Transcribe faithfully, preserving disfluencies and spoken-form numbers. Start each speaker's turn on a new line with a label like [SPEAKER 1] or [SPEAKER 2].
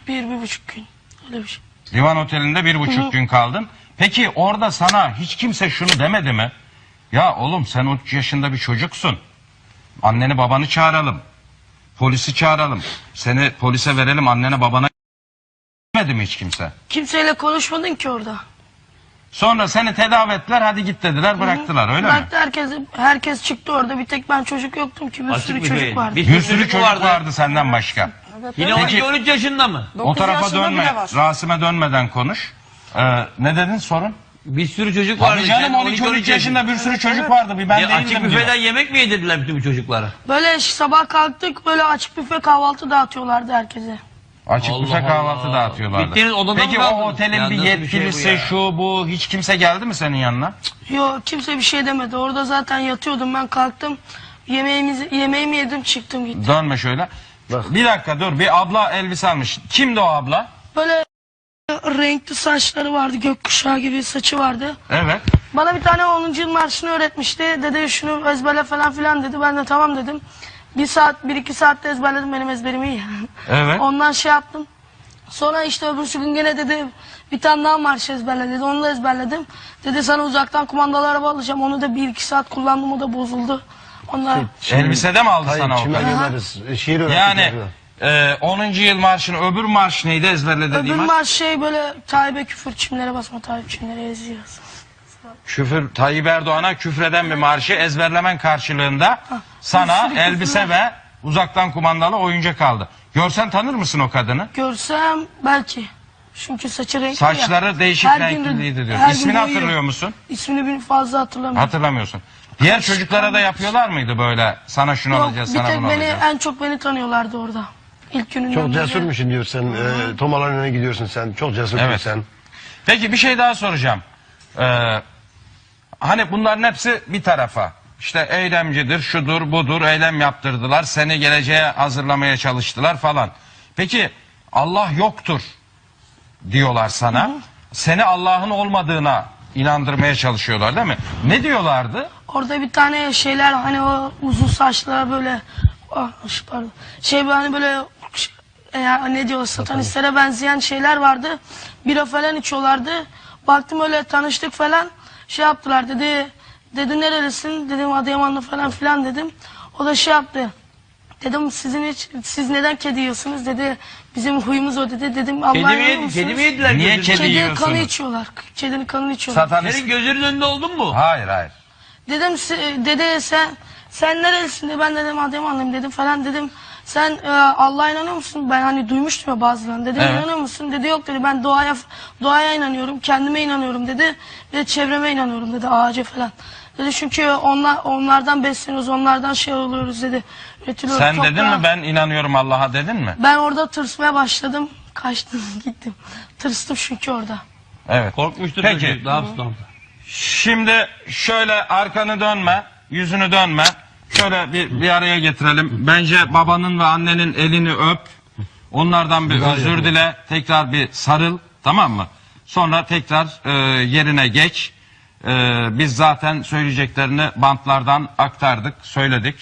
[SPEAKER 1] Bir, bir buçuk gün. Öyle bir şey.
[SPEAKER 2] Divan Oteli'nde bir buçuk Hı-hı. gün kaldın. Peki orada sana hiç kimse şunu demedi mi? Ya oğlum sen üç yaşında bir çocuksun. Anneni babanı çağıralım. Polisi çağıralım. Seni polise verelim, annene babana demedi mi hiç kimse?
[SPEAKER 1] Kimseyle konuşmadın ki orada.
[SPEAKER 2] Sonra seni tedavi ettiler, hadi git dediler, bıraktılar. Öyle
[SPEAKER 1] Bıraktı
[SPEAKER 2] mi?
[SPEAKER 1] herkes, herkes çıktı orada. Bir tek ben çocuk yoktum ki. Bir
[SPEAKER 3] Açık
[SPEAKER 1] sürü
[SPEAKER 3] bir
[SPEAKER 1] çocuk
[SPEAKER 3] beyin.
[SPEAKER 1] vardı.
[SPEAKER 3] Bir
[SPEAKER 2] Bir sürü
[SPEAKER 3] çocuk
[SPEAKER 2] çocuk
[SPEAKER 3] vardı.
[SPEAKER 2] vardı senden başka.
[SPEAKER 3] Yine on iki on üç yaşında mı?
[SPEAKER 2] O tarafa
[SPEAKER 4] yaşında
[SPEAKER 2] dönme.
[SPEAKER 4] bile var.
[SPEAKER 2] Rasim'e dönmeden konuş. Ee, ne dedin sorun?
[SPEAKER 3] Bir sürü çocuk vardı.
[SPEAKER 2] Abi canım
[SPEAKER 3] Sen
[SPEAKER 2] on iki on üç yaşında bir sürü çocuk vardı. Bir ben
[SPEAKER 3] Ya açık
[SPEAKER 2] değildim diyor.
[SPEAKER 3] büfeden yemek mi yedirdiler bütün bu çocuklara?
[SPEAKER 1] Böyle sabah kalktık, böyle açık büfe kahvaltı dağıtıyorlardı herkese.
[SPEAKER 2] Açık
[SPEAKER 3] Allah
[SPEAKER 2] büfe kahvaltı
[SPEAKER 3] Allah.
[SPEAKER 2] dağıtıyorlardı.
[SPEAKER 3] Gittiğiniz odada
[SPEAKER 2] Peki
[SPEAKER 3] mı
[SPEAKER 2] o
[SPEAKER 3] kaldınız?
[SPEAKER 2] otelin
[SPEAKER 3] Ya
[SPEAKER 2] bir
[SPEAKER 3] nasıl bir şey
[SPEAKER 2] yetkilisi
[SPEAKER 3] bu ya?
[SPEAKER 2] şu bu hiç kimse geldi mi senin yanına?
[SPEAKER 1] Yok, kimse bir şey demedi. Orada zaten yatıyordum, ben kalktım. Yemeğimizi, yemeğimi yedim, çıktım gittim.
[SPEAKER 2] Dönme şöyle. Bir dakika dur, bir abla elbise almış. Kimdi o abla?
[SPEAKER 1] Böyle renkli saçları vardı, gökkuşağı gibi saçı vardı.
[SPEAKER 2] Evet.
[SPEAKER 1] Bana bir tane onuncu yıl marşını öğretmişti. Dedi şunu ezberle falan filan dedi. Ben de tamam dedim. Bir saat, bir iki saatte ezberledim, benim ezberim iyi.
[SPEAKER 2] Evet.
[SPEAKER 1] Ondan şey yaptım. Sonra işte öbürsü gün gene dedi bir tane daha marş ezberle dedi. Onu da ezberledim. Dedi sana uzaktan kumandalı araba alacağım. Onu da bir iki saat kullandım, o da bozuldu. Onlar
[SPEAKER 2] Elbisede mi aldı
[SPEAKER 5] Hayır,
[SPEAKER 2] sana o
[SPEAKER 5] kime
[SPEAKER 2] kadar?
[SPEAKER 5] göndeririz? Şiir öğrettik.
[SPEAKER 2] Yani e, onuncu yıl marşını, öbür marş neydi ezberle
[SPEAKER 1] öbür
[SPEAKER 2] dediğim marş?
[SPEAKER 1] marş şey böyle Tayyip'e küfür, çimlere basma, Tayyip çimlere eziyoruz.
[SPEAKER 2] Küfür, Tayyip Erdoğan'a küfreden bir marşı ezberlemen karşılığında sana
[SPEAKER 1] sürü
[SPEAKER 2] elbise
[SPEAKER 1] küfürler.
[SPEAKER 2] ve uzaktan kumandalı oyuncak aldı. Görsen tanır mısın o kadını?
[SPEAKER 1] Görsem belki. Çünkü saçı renkli
[SPEAKER 2] Saçları
[SPEAKER 1] ya.
[SPEAKER 2] değişik
[SPEAKER 1] Her gün-
[SPEAKER 2] renkliydi diyor.
[SPEAKER 1] her gün
[SPEAKER 2] İsmini
[SPEAKER 1] boyuyor.
[SPEAKER 2] hatırlıyor musun?
[SPEAKER 1] İsmini bir fazla hatırlamıyorum.
[SPEAKER 2] Hatırlamıyorsun. Diğer çocuklara da yapıyorlar mıydı böyle? Sana şunu
[SPEAKER 1] Yok,
[SPEAKER 2] alacağız,
[SPEAKER 1] bir
[SPEAKER 2] sana
[SPEAKER 1] tek
[SPEAKER 2] bunu
[SPEAKER 1] beni,
[SPEAKER 2] alacağız.
[SPEAKER 1] en çok beni tanıyorlardı orada. İlk gününden
[SPEAKER 5] Çok
[SPEAKER 1] beri.
[SPEAKER 5] cesurmuşsun diyor sen. E, Tomaların önüne gidiyorsun sen. Çok cesursun
[SPEAKER 2] Evet.
[SPEAKER 5] sen.
[SPEAKER 2] Peki bir şey daha soracağım. Ee, hani bunların hepsi bir tarafa. İşte eylemcidir, şudur, budur, eylem yaptırdılar. Seni geleceğe hazırlamaya çalıştılar falan. Peki Allah yoktur diyorlar sana. Hı hı. Seni Allah'ın olmadığına inandırmaya çalışıyorlar değil mi? Ne diyorlardı?
[SPEAKER 1] Orada bir tane şeyler hani o uzun saçlara böyle ah, pardon. Şey hani böyle e, ne diyor satanistlere benzeyen şeyler vardı. Bira falan içiyorlardı. Baktım öyle tanıştık falan. Şey yaptılar dedi. Dedi nerelisin? Dedim Adıyamanlı falan filan dedim. O da şey yaptı. Dedim sizin hiç, siz neden kedi yiyorsunuz? Dedi bizim huyumuz o dedi. Dedim Allah'a
[SPEAKER 3] Kedi mi,
[SPEAKER 1] inanıyor
[SPEAKER 3] yedi,
[SPEAKER 1] musunuz?
[SPEAKER 3] kedi mi yediler?
[SPEAKER 2] Niye
[SPEAKER 3] gözünüzün
[SPEAKER 2] kedi
[SPEAKER 3] önünde?
[SPEAKER 1] Kedi
[SPEAKER 2] yiyorsunuz?
[SPEAKER 1] kanı içiyorlar. Kedinin kanını içiyorlar.
[SPEAKER 2] Satanist.
[SPEAKER 3] Senin gözünün önünde oldun mu?
[SPEAKER 2] Hayır hayır.
[SPEAKER 1] Dedim si- dedi sen sen nerelisin dedi. Ben dedim Adıyamanlıyım dedim falan dedim. Sen e, Allah'a inanıyor musun? Ben hani duymuştum ya bazılarını. Dedim
[SPEAKER 2] Evet.
[SPEAKER 1] inanıyor musun? Dedi yok dedi. Ben doğaya doğaya inanıyorum. Kendime inanıyorum dedi. Bir de çevreme inanıyorum dedi. Ağaca falan. Dedi çünkü onlar onlardan besleniyoruz. Onlardan şey oluyoruz dedi. Üretiliyoruz.
[SPEAKER 2] Sen dedin
[SPEAKER 1] toprağa.
[SPEAKER 2] mi ben inanıyorum Allah'a dedin mi?
[SPEAKER 1] Ben orada tırsmaya başladım. Kaçtım gittim. Tırstım çünkü orada.
[SPEAKER 2] Evet.
[SPEAKER 3] Korkmuştur
[SPEAKER 2] Peki.
[SPEAKER 3] çocuk. Ne yapsın orada?
[SPEAKER 2] Şimdi şöyle arkanı dönme, yüzünü dönme. Şöyle bir, bir araya getirelim. Bence babanın ve annenin elini öp. Onlardan bir özür dile. Tekrar bir sarıl. Tamam mı? Sonra tekrar e, yerine geç. E, biz zaten söyleyeceklerini bantlardan aktardık, söyledik.